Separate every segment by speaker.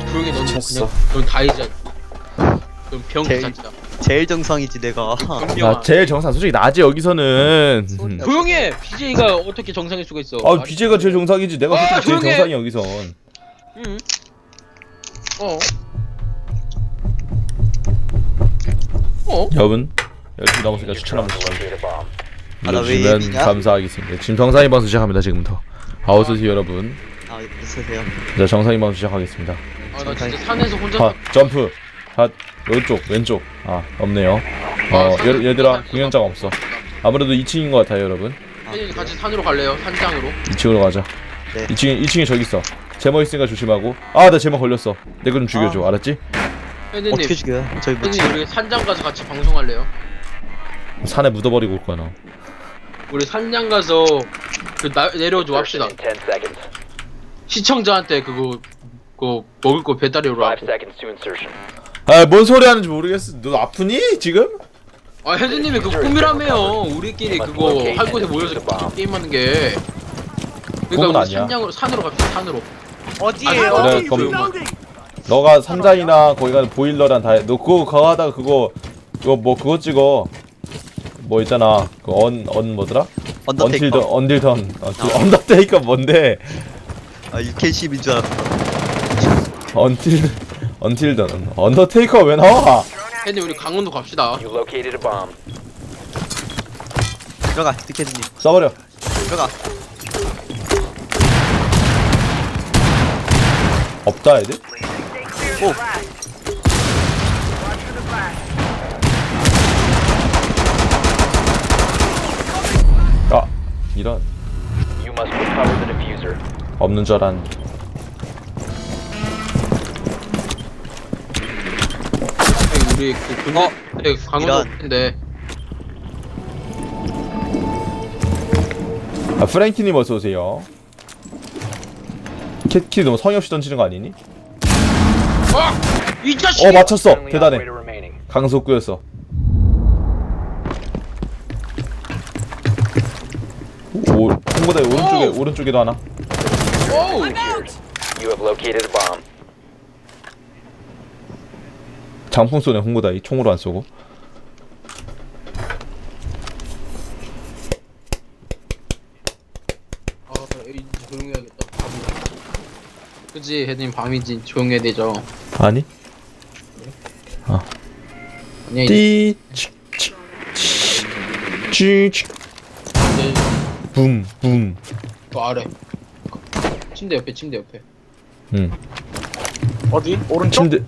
Speaker 1: 조용히 넌
Speaker 2: 미쳤어.
Speaker 1: 그냥 넌 다이자. 넌 병기 자체야.
Speaker 3: 제일 정상이지 내가.
Speaker 2: 야 제일 정상 솔직히 나지 여기서는.
Speaker 1: 조용해. BJ가 어떻게 정상일 수가 있어?
Speaker 2: 아 BJ가 제일 정상이지. 내가
Speaker 1: 아,
Speaker 2: 솔직히 제일
Speaker 1: 조용해.
Speaker 2: 정상이야 여기선.
Speaker 1: 응. 어.
Speaker 2: 여러분 열심히 나오니까 추천 한번
Speaker 3: 아, 나 왜
Speaker 2: 눌러주시면
Speaker 3: 예비냐?
Speaker 2: 감사하겠습니다. 지금 정상인 방송 시작합니다. 지금부터. 어서오세요 여러분.
Speaker 3: 아 있으세요.
Speaker 2: 자 정상인 방송 시작하겠습니다.
Speaker 1: 아 나 진짜 산에서 혼자.
Speaker 2: 자 점프. 자 오른쪽 왼쪽. 아 없네요. 얘들아 공연장 없어. 아무래도 2층인 것 같아요 여러분.
Speaker 1: 혜진이 같이 산으로 갈래요? 산장으로?
Speaker 2: 2층으로 가자.
Speaker 3: 네.
Speaker 2: 2층에 저기 있어. 제모 있으니까 조심하고. 아 나 제모 걸렸어. 내 거 좀 죽여줘. 알았지?
Speaker 1: 혜진님.
Speaker 3: 어떻게 죽여요? 저희 뭐지?
Speaker 1: 혜진이 우리 산장 가서 같이 방송할래요?
Speaker 2: 산에 묻어버리고 올 거야 너.
Speaker 1: 우리 산장 가서 내려줘 합시다. 시청자한테 그거 먹을 거 배달이로 하고.
Speaker 2: 아 뭔 소리 하는지 모르겠어. 너 아프니 지금?
Speaker 1: 아 혜진님이 그거 꿈이라며요. 우리끼리 그거 할 곳에 모여서 게임하는 게.
Speaker 2: 꿈은
Speaker 1: 그러니까 우리
Speaker 2: 아니야.
Speaker 1: 산으로 갑시다. 산으로.
Speaker 3: 어디에요?
Speaker 2: 그래 그럼 너가 산장이나 거기 가는 보일러랑 다 해. 너 그거 하다가 그거 그거 찍어. 뭐 있잖아. 그 뭐더라?
Speaker 3: 언더테이커.
Speaker 2: 언딜던. 언더테이커 뭔데?
Speaker 3: 아 UK10인 줄 알았어.
Speaker 2: 언틸던. 언더테이커 왜 나와?
Speaker 1: 혜진님 우리 강원도 갑시다.
Speaker 3: 들어가 디케드님.
Speaker 2: 써버려.
Speaker 3: 들어가.
Speaker 2: 없다 애들?
Speaker 3: 오.
Speaker 2: 아 이런. 없는 줄 알았는데.
Speaker 1: 우리 그 군대 강원도
Speaker 3: 이런.
Speaker 1: 인데
Speaker 2: 아 프랭키님 어서 오세요. 캣키 너무 성의 없이 던지는 거 아니니?
Speaker 1: 이 자식.
Speaker 2: 맞췄어. 대단해. 강속구였어. 홍보대 오른쪽에도 하나.
Speaker 1: 오우.
Speaker 2: 장풍 쏘네 홍보다이 총으로 안 쏘고.
Speaker 1: 이제 조용해야겠다. 그치 혜진님 밤이지 조용해야 되죠.
Speaker 2: 아니?
Speaker 1: 아니야
Speaker 2: 띠 붐붐.
Speaker 1: 그 아래. 침대 옆에.
Speaker 4: 어디? 오른쪽?
Speaker 2: 침대.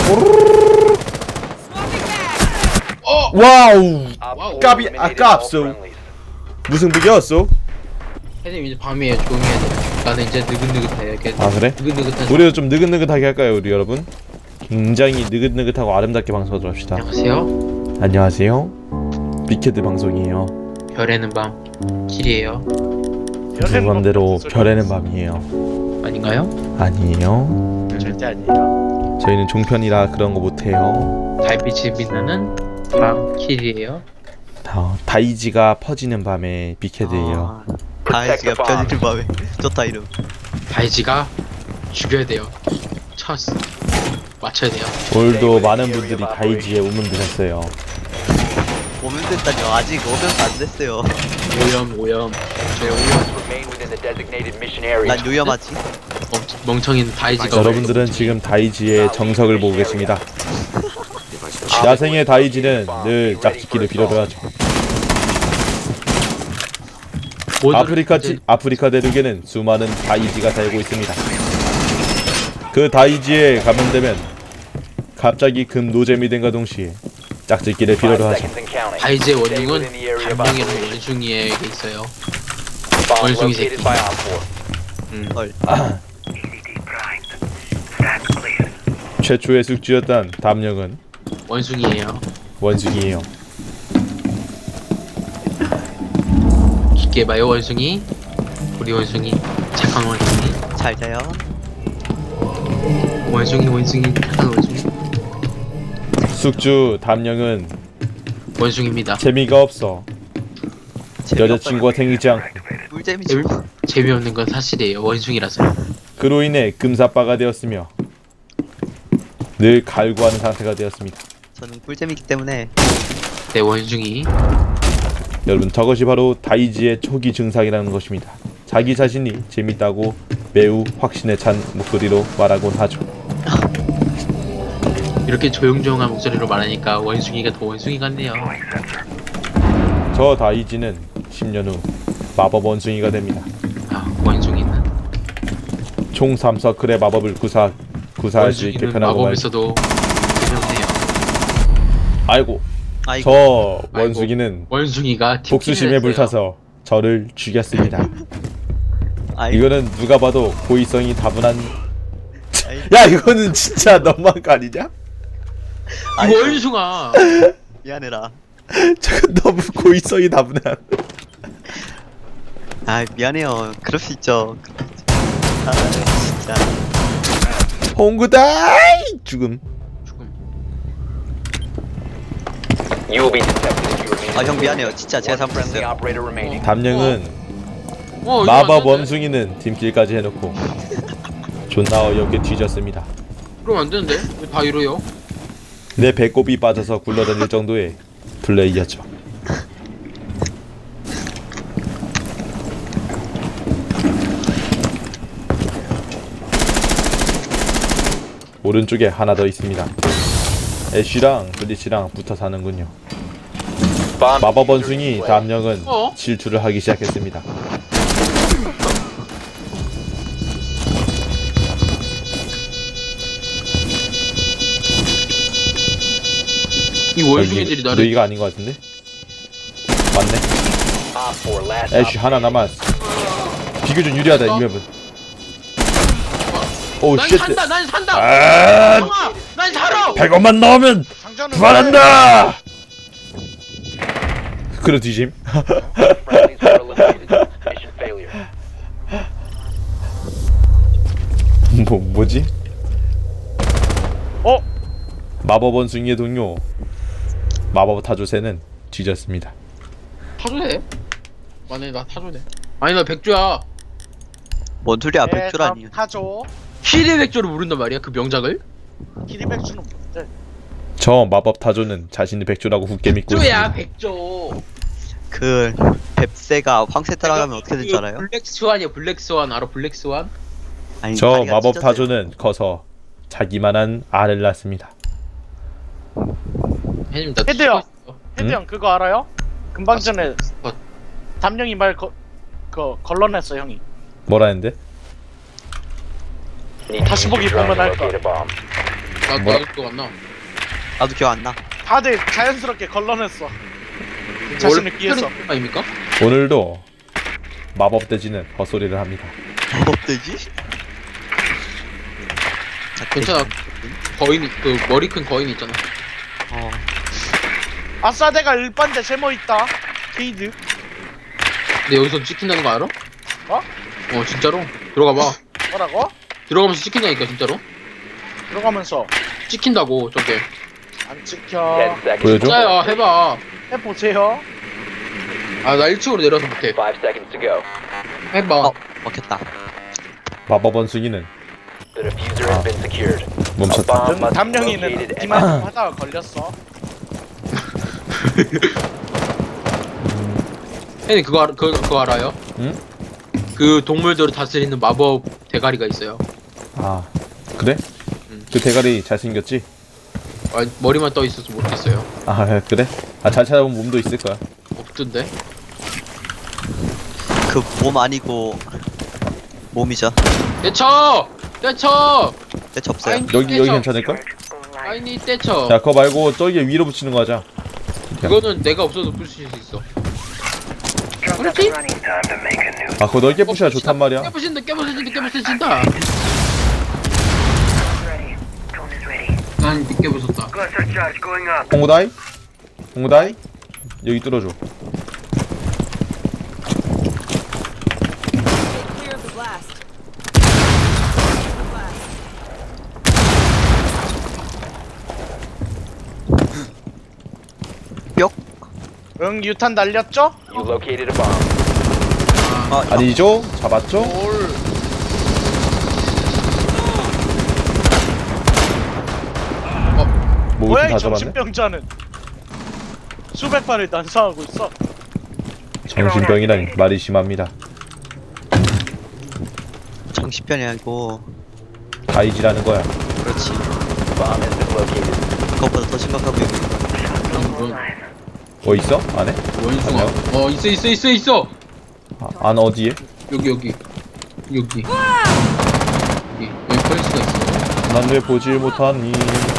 Speaker 1: 어.
Speaker 2: 와우.
Speaker 1: 와우.
Speaker 2: 까비 아깝소. 무슨 비겼어?
Speaker 1: 혜진님 이제 밤이에요. 조용해야 돼. 나는 이제 느긋느긋해.
Speaker 2: 아 그래?
Speaker 1: 느긋느긋한.
Speaker 2: 우리도 좀 느긋느긋하게 할까요 우리 여러분? 굉장히 느긋느긋하고 아름답게 방송하도록 합시다.
Speaker 1: 안녕하세요.
Speaker 2: 안녕하세요. 빅헤드 방송이에요.
Speaker 1: 별에는 밤 길이에요.
Speaker 2: 그 맘대로 별에는 밤이에요.
Speaker 1: 아닌가요?
Speaker 2: 아니에요.
Speaker 4: 절대 아니에요.
Speaker 2: 저희는 종편이라 그런 거 못해요.
Speaker 1: 달빛이 빛나는 밤 길이에요.
Speaker 2: 다이지가 퍼지는 밤에 빅헤드예요.
Speaker 3: 다이지가 편의점 밤에. 좋다 이름.
Speaker 1: 다이지가 죽여야 돼요. 쳤어. 맞춰야 돼요.
Speaker 2: 오늘도 많은 분들이 다이지에 우문드셨어요.
Speaker 3: 오면 됐다뇨. 아직 오면서 안 됐어요.
Speaker 1: 오염.
Speaker 3: 난 요염하지.
Speaker 1: 멍청이는 다이지가.
Speaker 2: 여러분들은 지금 다이지의 정석을 보고 계십니다. 야생의 다이지는 늘 짝짓기를 필요로 하죠. 아프리카 대륙에는 수많은 다이지가 살고 있습니다. 그 다이지에 감염되면 갑자기 금 노잼이 된과 동시에 짝짓기를 필요로 하죠.
Speaker 1: 다이지의 원흉은 단명이라는 원숭이에게 있어요. 원숭이 새끼.
Speaker 3: 헐.
Speaker 2: 최초의 숙주였던 담령은
Speaker 1: 원숭이에요.
Speaker 2: 원숭이에요.
Speaker 1: 깊게 봐요 원숭이. 우리 원숭이 착한 원숭이.
Speaker 3: 잘 자요.
Speaker 1: 원숭이 착한 원숭이.
Speaker 2: 숙주 담령은
Speaker 1: 원숭이입니다.
Speaker 2: 재미가 없어. 여자친구가 생기지 않고
Speaker 3: 꿀잼이지.
Speaker 1: 재미없는 건 사실이에요. 원숭이라서.
Speaker 2: 그로 인해 금사빠가 되었으며 늘 갈구하는 상태가 되었습니다.
Speaker 3: 저는 꿀잼이기 때문에.
Speaker 1: 내 원숭이.
Speaker 2: 여러분, 저것이 바로 다이지의 초기 증상이라는 것입니다. 자기 자신이 재밌다고 매우 확신에 찬 목소리로 말하곤 하죠.
Speaker 1: 이렇게 조용조용한 목소리로 말하니까 원숭이가 더 원숭이 같네요.
Speaker 2: 저 다이지는 10년 후 마법 원숭이가 됩니다.
Speaker 1: 아, 원숭이는
Speaker 2: 총 3서클의 마법을 구사할 수 있게
Speaker 1: 원숭이는
Speaker 2: 변하고 말죠.
Speaker 1: 마법에서도 유명해요.
Speaker 2: 아이고,
Speaker 3: 아이고.
Speaker 2: 저 원숭이는
Speaker 1: 원숭이가
Speaker 2: 복수심에
Speaker 1: 했어요.
Speaker 2: 불타서 저를 죽였습니다.
Speaker 3: 아이고.
Speaker 2: 이거는 누가 봐도 고의성이 다분한.
Speaker 3: 아이고.
Speaker 2: 야, 이거는 진짜 너무한 거 아니냐?
Speaker 1: 이
Speaker 3: 아이고.
Speaker 1: 원숭아.
Speaker 3: 미안해라.
Speaker 2: 저건 너무 고의성이 다분한.
Speaker 3: 아 미안해요. 그럴 수 있죠. 아 진짜.
Speaker 2: 홍구다이 죽음.
Speaker 1: 죽음.
Speaker 3: 아 형 미안해요. 진짜 제가 잘못했어요.
Speaker 2: 담령은
Speaker 1: 이거
Speaker 2: 마법
Speaker 1: 안 되는데?
Speaker 2: 원숭이는 팀킬까지 해놓고 존나 어이없게 뒤졌습니다.
Speaker 1: 그럼 안 되는데? 왜 다 이러요?
Speaker 2: 내 배꼽이 빠져서 굴러다닐 정도의 플레이였죠. 오른쪽에 하나 더 있습니다. 애쉬랑 블리치랑 붙어 사는군요. 마법 원숭이 담령은
Speaker 1: 어?
Speaker 2: 질투를 하기 시작했습니다.
Speaker 1: 이 원숭이들이 나를
Speaker 2: 너희가 아닌 것 같은데? 맞네. 애쉬 하나 남았어. 비교적 유리하다 이 맵은. 오
Speaker 1: 난
Speaker 2: 쉣.
Speaker 1: 산다! 난 산다!
Speaker 2: 아,
Speaker 1: 형아! 난 살아!
Speaker 2: 100원만 넣으면 부활한다. 그래 뒤짐. 뭐지?
Speaker 4: 어?
Speaker 2: 마법 원숭이의 동료 마법 타조새는 뒤졌습니다.
Speaker 1: 타도 돼? 만약에 나 타도 돼? 아니 나 백조야.
Speaker 3: 뭔 소리야 백조라니.
Speaker 4: 타죠.
Speaker 1: 힐의 백조를 부른단 말이야 그 명작을?
Speaker 4: 키리백주는 뭔데?
Speaker 2: 저 마법 타조는 자신이 백조라고 굳게 믿고
Speaker 1: 백조야
Speaker 2: 있습니다.
Speaker 1: 백조.
Speaker 3: 그 뱁새가 황새 따라가면 어떻게 될줄 알아요?
Speaker 1: 블랙스완이야 블랙스완 알아 블랙스완?
Speaker 3: 아니,
Speaker 2: 저
Speaker 3: 다리가
Speaker 2: 마법
Speaker 3: 찢어져요.
Speaker 2: 타조는 커서 자기만한 알을 낳습니다.
Speaker 1: 혜님 나
Speaker 4: 헤드요.
Speaker 1: 치고 있어.
Speaker 4: 헤드 형 그거 알아요? 금방 전에
Speaker 1: 어.
Speaker 4: 담령이 걸러냈어 형이.
Speaker 2: 뭐라 했는데?
Speaker 4: 다시 보기 보면 알 거야.
Speaker 1: 나도 기억 안 나.
Speaker 3: 나도 기억 안 나.
Speaker 4: 다들 자연스럽게 걸러냈어. 자신을 피해서.
Speaker 1: 아닙니까?
Speaker 2: 오늘도 마법 돼지는 헛소리를 합니다.
Speaker 3: 뭐되지?
Speaker 1: 괜찮아. 거인 그 머리 큰 거인 있잖아.
Speaker 3: 어.
Speaker 4: 아싸 내가 일반대 제모 있다. 케이드.
Speaker 1: 근데 여기서 찍힌다는 거 알아?
Speaker 4: 어?
Speaker 1: 어 진짜로? 들어가 봐.
Speaker 4: 뭐라고?
Speaker 1: 들어가면서 찍힌다니까 진짜로?
Speaker 4: 들어가면서
Speaker 1: 찍힌다고 저게.
Speaker 4: 안 찍혀.
Speaker 2: 보여줘?
Speaker 1: 진짜야 해봐.
Speaker 4: 해보세요.
Speaker 1: 아 나 1층으로 내려서 못해. 해봐.
Speaker 3: 어 먹혔다.
Speaker 2: 마법 원숭이는 멈췄다.
Speaker 4: 담령이는 이만 하다가 걸렸어.
Speaker 1: 혜님 그거 알아요?
Speaker 2: 응?
Speaker 1: 그 동물들을 다스리는 마법 대가리가 있어요.
Speaker 2: 아 그래?
Speaker 1: 응.
Speaker 2: 그 대가리 잘생겼지?
Speaker 1: 아, 머리만 떠 있어서 못했어요.
Speaker 2: 아 그래? 아 잘 찾아보면 몸도 있을 거야.
Speaker 1: 없던데?
Speaker 3: 그 몸 아니고 몸이죠.
Speaker 1: 떼쳐! 떼쳐!
Speaker 3: 대체 없어요.
Speaker 1: 아니,
Speaker 2: 여기
Speaker 1: 떼쳐.
Speaker 2: 괜찮을걸?
Speaker 1: 아니 떼쳐.
Speaker 2: 야 그거 말고 저기 위로 붙이는 거 하자.
Speaker 1: 그거는 내가 없어도 부실 수 있어. 그렇지?
Speaker 2: 아 그거 넓게 부셔야 좋단 말이야.
Speaker 1: 깨부신다. 난 늦게 부쉈다.
Speaker 2: 홍구다이? 홍구다이? 여기 뚫어줘.
Speaker 5: Clear of the blast.
Speaker 3: 뿅.
Speaker 4: 응 유탄 날렸죠?
Speaker 3: 아
Speaker 2: 아니죠? 잡았죠?
Speaker 1: 뭘?
Speaker 2: 뭐
Speaker 4: 뭐야
Speaker 2: 다
Speaker 4: 이
Speaker 2: 잡았네?
Speaker 4: 정신병자는. 수백 발을 난사하고 있어.
Speaker 2: 정신병이라니 말이 심합니다.
Speaker 3: 정신병이 아니고.
Speaker 2: 다이지라는 거야.
Speaker 3: 그렇지. 그것보다 더 심각한 병이.
Speaker 2: 뭐 있어? 안에?
Speaker 1: 원숭아. 있어.
Speaker 2: 아, 안 어디에?
Speaker 1: 여기 펄스가 있어.
Speaker 2: 난 왜 보질 못하니?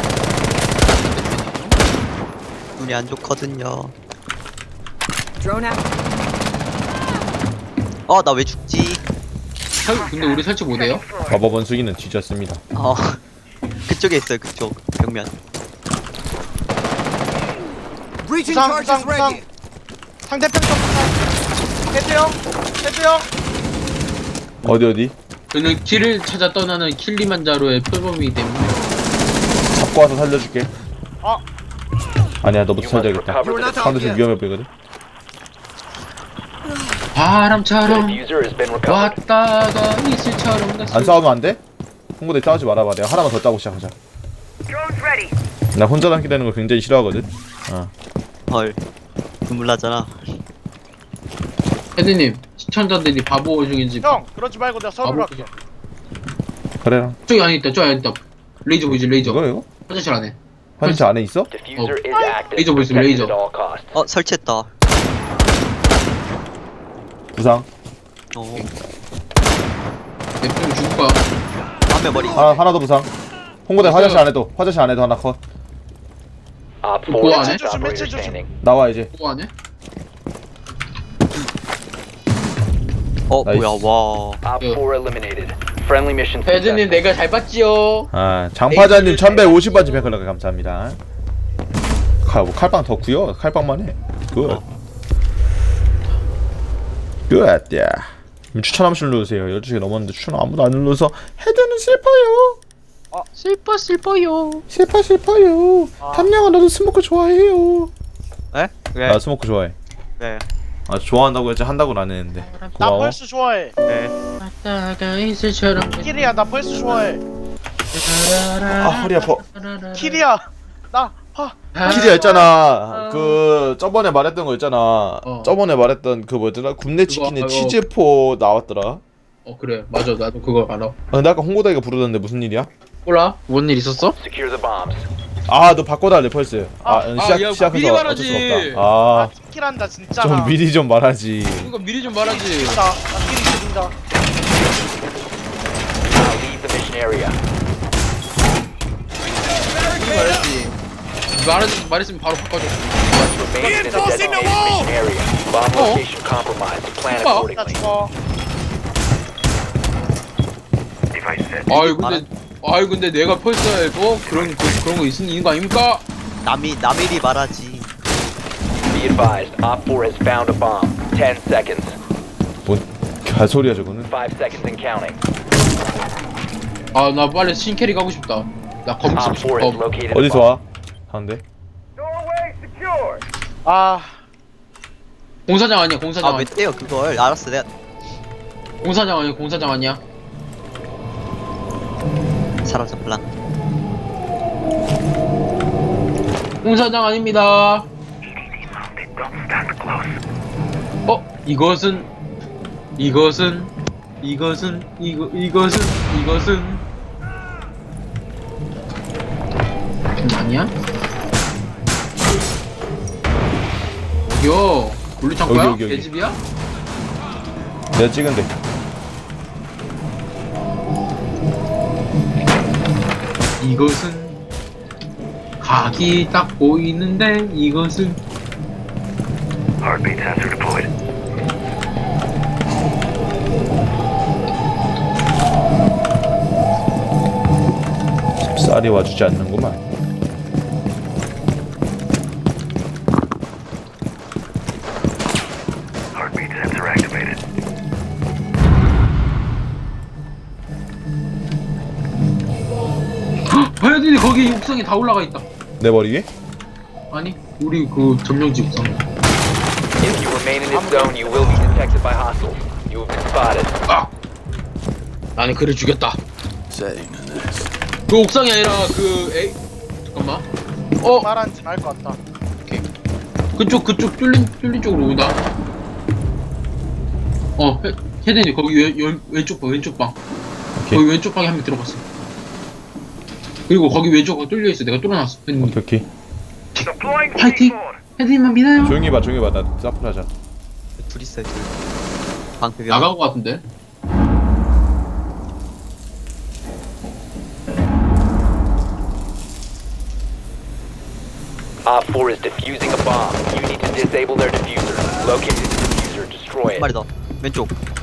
Speaker 3: 눈이 안 좋거든요. 나 왜 죽지?
Speaker 1: 근데 우리 설치 못해요?
Speaker 2: 마법 원숭이는 뒤졌습니다.
Speaker 3: 그쪽에 있어요. 그쪽 벽면.
Speaker 4: 부상. 상대편 쪽 부상. 헤드형.
Speaker 2: 어디?
Speaker 1: 저는 길을 찾아 떠나는 킬리만자로의 표범이기 때문에.
Speaker 2: 잡고 와서 살려줄게.
Speaker 4: 아.
Speaker 2: 아니야, 너부터 살려야겠다. 상대 좀 위험해 보이거든.
Speaker 1: 바람처럼 왔다가 이슬처럼 갔어.
Speaker 2: 안 싸우면 안 돼? 홍보대 싸우지 말아봐. 내가 하나만 더 따고 시작하자. 나 혼자 남게 되는 걸 굉장히 싫어하거든.
Speaker 3: 헐. 눈물 나잖아.
Speaker 1: 헤드님, 시청자들이 바보 중인지.
Speaker 4: 형 그러지 말고 내가 서로 할게.
Speaker 2: 그래라.
Speaker 1: 저기 안에 있다. 레이저 보이지? 레이저.
Speaker 2: 이거?
Speaker 1: 화장실 안에.
Speaker 2: 화장실 안에 있어?
Speaker 1: 레이저 보이지? 레이저.
Speaker 3: 설치했다.
Speaker 2: 부상.
Speaker 1: 내품 죽을 거야.
Speaker 3: 앞에 머리.
Speaker 2: 하나 더 부상. 홍보대 화장실 안에도 하나 컷.
Speaker 1: 뭐 안에?
Speaker 4: 매체 조심.
Speaker 2: 나와 이제.
Speaker 1: 뭐 안에?
Speaker 2: 나이스.
Speaker 3: 뭐야, 와.
Speaker 1: 헤드님 내가 잘 봤지요.
Speaker 2: 장파자님 1150번째 팬클럽 감사합니다. 칼빵 덕후요? 칼빵만 해. 굿. 야. 추천 한 번씩 눌러주세요. 12시 넘었는데 추천 아무도 안 눌러서 헤드는 슬퍼요. 슬퍼요. 담양아 나도 스모크 좋아해요.
Speaker 3: 에? 왜?
Speaker 2: 나 스모크 좋아해.
Speaker 3: 네.
Speaker 2: 좋아한다고 했지 한다고는 안 했는데.
Speaker 4: 나
Speaker 2: 고마워.
Speaker 4: 펄스 좋아해.
Speaker 3: 네.
Speaker 1: 왔다가 이슬처럼.
Speaker 4: 키리야 나 펄스 좋아해.
Speaker 2: 허리 아파.
Speaker 4: 키리야 나
Speaker 2: 키리야 있잖아. 그 저번에 말했던 거 있잖아. 저번에 말했던 그 뭐였더라? 굽네 치킨에 치즈포 나왔더라.
Speaker 1: 그래 맞아 나도 그거 알아.
Speaker 2: 근데 아까 홍고다이가 부르던데 무슨 일이야?
Speaker 1: 몰라? 뭔 일 있었어?
Speaker 2: 너 바꿔달래 펄스. 시작해서
Speaker 1: 미리
Speaker 2: 어쩔
Speaker 1: 말하지.
Speaker 2: 수가 없다.
Speaker 4: 키란다 진짜.
Speaker 2: 좀 미리 좀 말하지.
Speaker 1: 이거 미리 좀 말하지.
Speaker 4: 나 키리 죽인다.
Speaker 1: 말했으면 바로 바꿔줘.
Speaker 4: 나 죽어.
Speaker 1: 근데 내가 펄스에 그런 거 있는 거 아닙니까?
Speaker 3: 남일이 말하지.
Speaker 2: 뭔 개소리야 저거는.
Speaker 1: 나 빨리 신캐리 가고 싶다. 나 검색 싶어.
Speaker 2: 어디서 와? 하는데?
Speaker 1: 공사장 아니야 공사장.
Speaker 3: 왜 떼요 그걸? 알았어, 내가
Speaker 1: 공사장 아니야.
Speaker 3: 사라졌구나.
Speaker 1: 공사장 아닙니다. 이것은 아니야? 어디요? 물류창고야?
Speaker 2: 여기.
Speaker 1: 개집이야?
Speaker 2: 내가 찍은데.
Speaker 1: 이것은 각이 딱 보이는데 이것은
Speaker 2: 쌀이 와주지 않는구만.
Speaker 1: 헤드니 거기 옥상에 다 올라가 있다.
Speaker 2: 내 머리 위에?
Speaker 1: 아니 우리 그 점령지 옥상. 나는 그를 죽였다. 그 옥상이 아니라 잠깐만.
Speaker 4: 말하는지 알 것 같다.
Speaker 1: 그쪽 뚫린 쪽으로 오다. 헤드니 거기 왼쪽 방.
Speaker 2: 오케이.
Speaker 1: 거기 왼쪽 방에 한 명 들어갔어. 그리고 거기 왼쪽 뚫려 있어. 내가 뚫어놨어. 헤드니.
Speaker 2: 오케이.
Speaker 1: 파이팅. 헤드니만 믿어요.
Speaker 2: 조용히 봐. 나 사프라자.
Speaker 3: 둘 있어요, 둘. 방패
Speaker 1: 나간 거 같은데.
Speaker 5: Op 4 is defusing a bomb. You need to disable their diffuser. Locate the diffuser, destroy
Speaker 3: 한
Speaker 5: it.
Speaker 3: 마리 더. 왼쪽.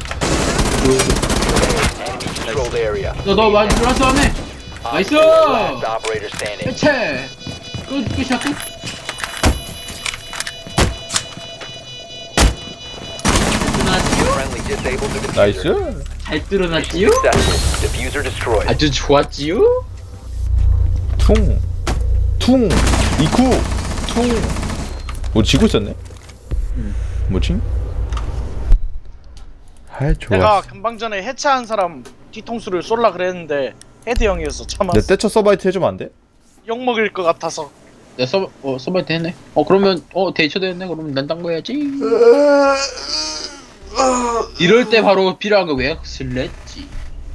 Speaker 5: Enemy controlled area.
Speaker 1: 너 많이 들어왔어 안에.
Speaker 5: Op
Speaker 1: 나이스.
Speaker 5: 4 last operator standing.
Speaker 1: 해체. 끝이야 끝.
Speaker 5: Friendly disabled the diffuser.
Speaker 2: 나이스.
Speaker 1: 잘 뚫어놨지요?
Speaker 5: Successful. Diffuser destroyed.
Speaker 1: 아주 좋았지요?
Speaker 2: 퉁. 이쿠. 퉁. 뭐 지고 있었네? 뭐지? 아 좋아.
Speaker 4: 내가 금방 전에 해체한 사람 뒤통수를 쏠라 그랬는데 헤드 형이어서
Speaker 2: 내
Speaker 4: 참았어.
Speaker 2: 떼쳐 서바이트 해주면 안 돼?
Speaker 4: 욕 먹을 것 같아서.
Speaker 1: 내 서바이트 했네. 그러면 데이처도 했네. 그러면 난 딴 거 해야지. 이럴 때 바로 필요한 거 왜요? 슬래지.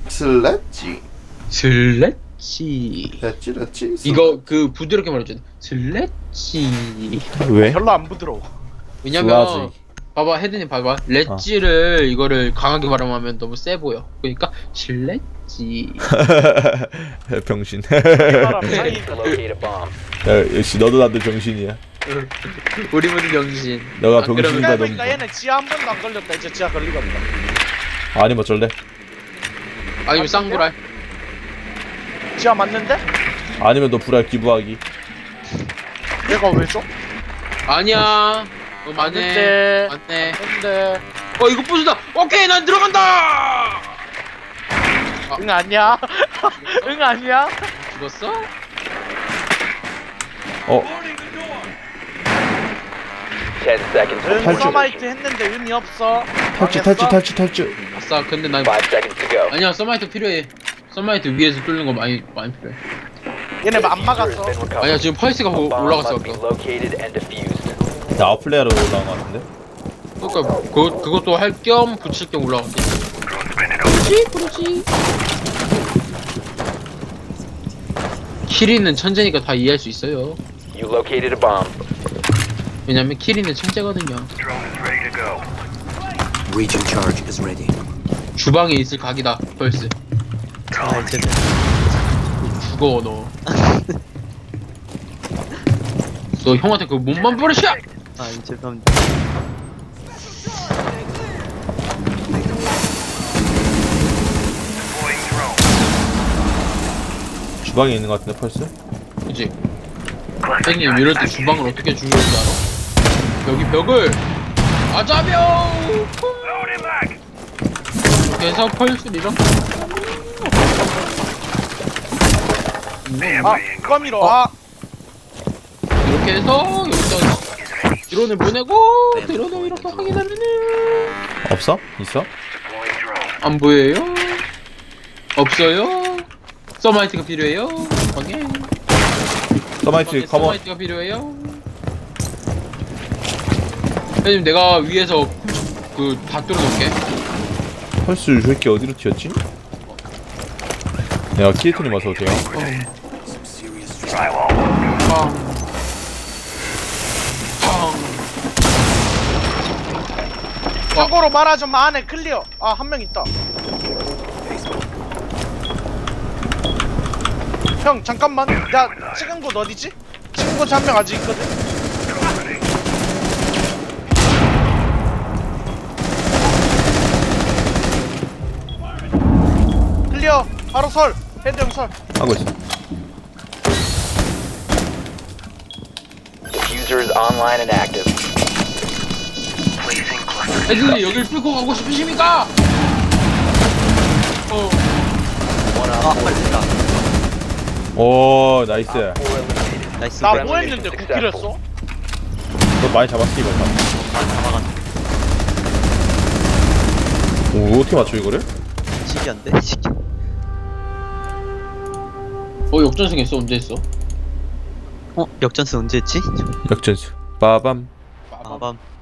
Speaker 1: 슬래지.
Speaker 2: 렛지.
Speaker 1: 이거 그 부드럽게 말해줘. 슬래지.
Speaker 2: 왜?
Speaker 4: 별로 안 부드러워.
Speaker 1: 왜냐면
Speaker 2: 슬라지.
Speaker 1: 봐봐 헤드님 봐봐 렛지를 이거를 강하게 발음하면 너무 세 보여. 그러니까 슬래지.
Speaker 2: 병신.
Speaker 4: 사람 사이
Speaker 5: Locate a bomb.
Speaker 2: 야, 역시 너도 나도 병신이야.
Speaker 1: 우리 모두 병신.
Speaker 2: 너가
Speaker 1: 아,
Speaker 2: 병신이다.
Speaker 1: 그러면-
Speaker 4: 그러니까 얘는 지하 한 번도 안 걸렸다. 이제 지하 걸리겠다.
Speaker 2: 아니면 어쩔래?
Speaker 1: 아니면 쌍불알.
Speaker 4: 지하 맞는데?
Speaker 2: 아니면 너 불알 기부하기.
Speaker 4: 내가 왜 줘?
Speaker 1: 아니야. 맞네.
Speaker 4: 맞는데.
Speaker 1: 맞네.
Speaker 4: 근데
Speaker 1: 이거 부수다. 오케이 난 들어간다.
Speaker 4: 응 아니야? 응 아니야?
Speaker 1: 죽었어?
Speaker 2: 어
Speaker 5: 10 seconds.
Speaker 4: 응
Speaker 2: 탈출.
Speaker 4: 서마이트 했는데 의미 없어.
Speaker 2: 탈주.
Speaker 1: 아싸. 근데 난
Speaker 5: 5 seconds to go.
Speaker 1: 아니야 서마이트 필요해. 서마이트 위에서 뚫는 거 많이 필요해.
Speaker 4: 얘네 안
Speaker 5: Diffuser has
Speaker 4: 막았어.
Speaker 5: been recovered.
Speaker 1: 아니야 지금 펄스가
Speaker 5: A bomb
Speaker 1: 올라갔어.
Speaker 5: must be
Speaker 1: 아까.
Speaker 5: located and defused.
Speaker 2: 나 아웃플레이어로 올라온 것 같은데?
Speaker 1: 그러니까 그것도 할 겸 붙일 겸 올라갔지. 그렇지. 키리는 천재니까 다 이해할 수 있어요.
Speaker 5: You located a bomb.
Speaker 1: 왜냐면 키리는 천재거든요.
Speaker 6: Region charge is ready.
Speaker 1: 주방에 있을 각이다. 펄스.
Speaker 3: 아, 이제
Speaker 1: 죽어 너. 너 형한테 그 몸만 버리셔.
Speaker 3: 아, 이제 그럼
Speaker 2: 주방에 있는 것 같은데 펄스?
Speaker 1: 그치? 선생님 이럴 때 주방을 어떻게 중요한지 알아? 여기 벽을 아자병! 이렇게 해서 펄스를 이렇게
Speaker 4: 아 누가 밀어? 아
Speaker 1: 이렇게 해서 여기다 드론을 보내고 드론을 이렇게 확인하면은
Speaker 2: 없어? 있어?
Speaker 1: 안 보여요? 없어요? 서마이트가 필요해요? 확인
Speaker 2: 서마이트 커먼.
Speaker 1: 서마이트가 필요해요? 선생님 내가 위에서 그 다 뚫어놓을게.
Speaker 2: 펄스 이 새끼 어디로 튀었지? 야 키에트님 어서 오세요.
Speaker 6: Some serious
Speaker 1: 팡. 팡.
Speaker 4: 참고로 말하자면 안에 클리어. 아 한 명 있다. 형 잠깐만. 나 찍은 곳 어디지? 찍은 곳 한 명 아직 있거든. 클리어. 바로 설. 헤드 형 설.
Speaker 2: 하고 있어.
Speaker 5: Diffuser is online and active.
Speaker 1: 애들이 여길 뚫고 가고 싶으십니까?
Speaker 5: One
Speaker 3: 아,
Speaker 5: op
Speaker 3: 빨리 됐다.
Speaker 2: 오 나이스.
Speaker 5: 4 eliminated.
Speaker 3: 나이스.
Speaker 4: 나
Speaker 5: Friendly
Speaker 4: 뭐 했는데
Speaker 5: mission
Speaker 4: 9킬 했어?
Speaker 5: successful.
Speaker 2: 너 많이 잡았어 이거.
Speaker 3: 잡아갔네.
Speaker 2: 오 어떻게 맞춰 이거를?
Speaker 3: 신기한데?
Speaker 1: 역전승 했어. 언제 했어?
Speaker 3: 역전수 언제 했지?
Speaker 2: 역전수 빠밤.
Speaker 4: 빠밤.
Speaker 3: 아밤